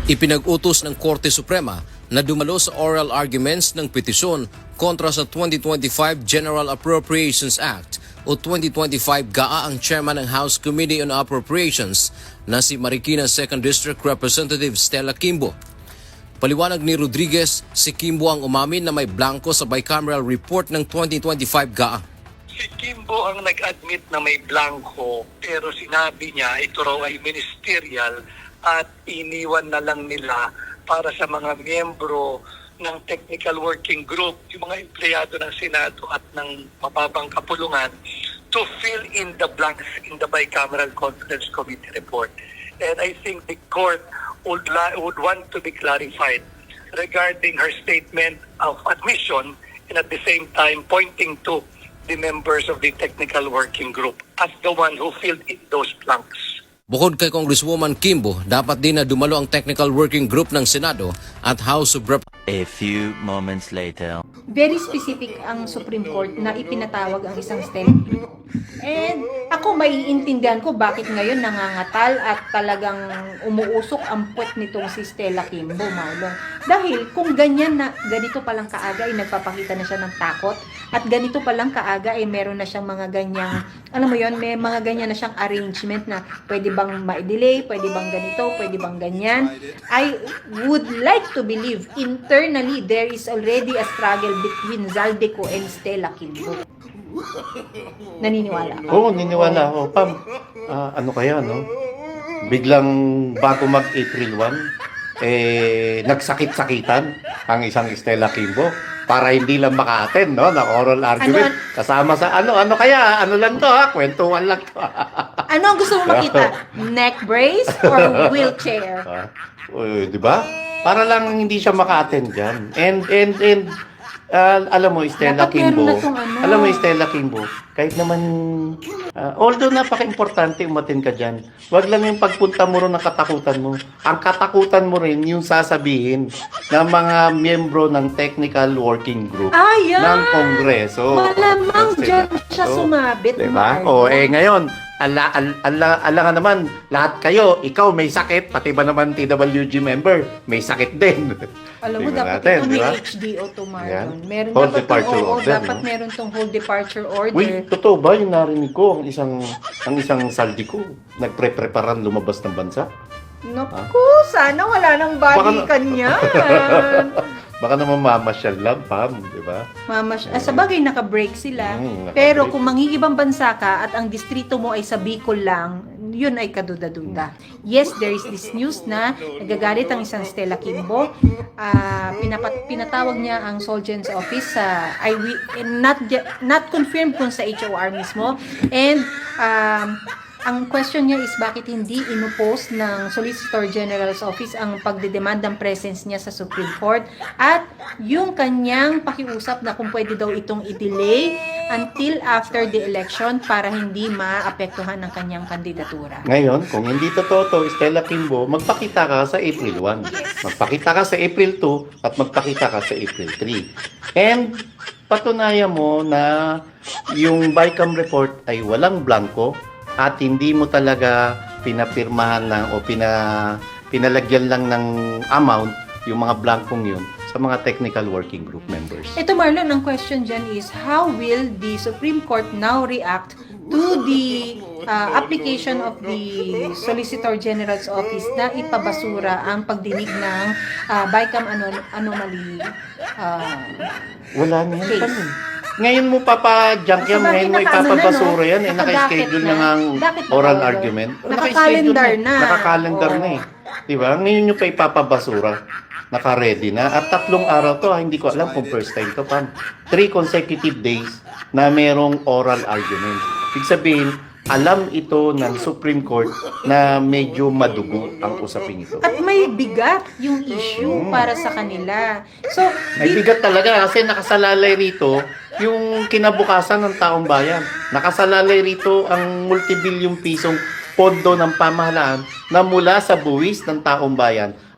Ipinag-utos ng Korte Suprema na dumalo sa oral arguments ng petisyon kontra sa 2025 General Appropriations Act o 2025 GAA ang chairman ng House Committee on Appropriations na si Marikina 2nd District Representative Stella Quimbo. Paliwanag ni Rodriguez, si Quimbo ang umamin na may blanco sa bicameral report ng 2025 GAA. Si Quimbo ang nag-admit na may blanco pero sinabi niya ito raw ay ministerial at iniwan na lang nila para sa mga miyembro ng technical working group, yung mga empleyado ng Senado at ng mababang kapulungan to fill in the blanks in the bicameral conference committee report. And I think the court would want to be clarified regarding her statement of admission and at the same time pointing to the members of the technical working group as the one who filled in those blanks. Bukod kay Congresswoman Quimbo, dapat din na dumalo ang Technical Working Group ng Senado at House of Representatives. A few moments later. Very specific ang Supreme Court na ipinatawag ang isang STEM. And ako maiintindihan ko bakit ngayon nangangatal at talagang umuusok ang puwet nitong si Stella Quimbo, Marlon. Dahil kung ganyan na, ganito palang kaaga ay nagpapakita na siya ng takot at ganito palang kaaga ay meron na siyang mga ganyang, alam mo yon, may mga ganyan na siyang arrangement na pwede bang ma-delay, pwede bang ganito, pwede bang ganyan. I would like to believe internally there is already a struggle between Zaldico and Stella Quimbo. Naniniwala. Oo, niniwala ako. Pam, ano kaya, no? Biglang bago mag-April 1, nagsakit-sakitan ang isang Stella Quimbo para hindi lang maka-attend, no? Na oral argument. Kasama sa, ano kaya? Ano lang to, ha? Kwentuhan lang to. Ano ang gusto mo makita? Neck brace or wheelchair? Di ba? Para lang hindi siya maka-attend dyan. And alam mo, Stella Dapat meron Quimbo, na tong ano. alam mo, Stella Quimbo, kahit naman, although napaka-importante umatin ka dyan, wag lang yung pagpunta mo rin ng katakutan mo. Ang katakutan mo rin yung sasabihin ng mga miyembro ng Technical Working Group Yan! ng Kongreso. Malamang dyan siya sumabit. Diba? Marlon. Ngayon, alangan naman, lahat kayo, ikaw may sakit, pati ba naman TWG member, may sakit din. Alam mo, Tingnan dapat natin, ito may diba? HDO to, Marlon. Yan. Meron Hold dapat departure tong, order, dapat no? meron tong hold departure order. Uy, totoo ba yung narinig ko, ang isang saldi ko, nagpre-preparan lumabas ng bansa? Naku, sana wala nang balikan yan. Baka naman mamasyal lang, Pam, di ba? Sa bagay, naka-break sila. Naka-break. Pero kung mangingibang bansa ka at ang distrito mo ay sa Bicol lang, yun ay kaduda-duda. Yes, there is this news na nagagalit ang isang Stella Quimbo. Pinatawag niya ang Solgen's office sa not confirmed kung sa HOR mismo. And ang question niya is bakit hindi inupost ng Solicitor General's Office ang pagdedemand ng presence niya sa Supreme Court at yung kanyang pakiusap na kung pwede daw itong i-delay until after the election para hindi maapektuhan ng kanyang kandidatura. Ngayon, kung hindi totoo to, Stella Quimbo, magpakita ka sa April 1. Magpakita ka sa April 2 at magpakita ka sa April 3. And patunayan mo na yung BICAM report ay walang blanco at hindi mo talaga pinapirmahan lang o pinalagyan lang ng amount yung mga blankong yun sa mga technical working group members. Ito, Marlon, ang question dyan is how will the Supreme Court now react to the application of the Solicitor General's Office na ipabasura ang pagdinig ng BICAM anomaly Wala na yan. case? Paano? Ngayon mo papa-junk yan, ngayon mo ipapabasura yan, naka-schedule na ang oral argument. Naka-calendar na. Naka-calendar na eh. Diba? Ngayon nyo pa ipapabasura. Naka-ready na. At 3 araw to, hindi ko alam kung first time to, Pam. 3 consecutive days na merong oral argument. Ibig sabihin, alam ito ng Supreme Court na medyo madugo ang usapin ito. At may bigat yung issue para sa kanila. So, May bigat talaga kasi nakasalalay rito yung kinabukasan ng taong bayan. Nakasalalay rito ang multibilyong pisong pondo ng pamahalaan na mula sa buwis ng taong bayan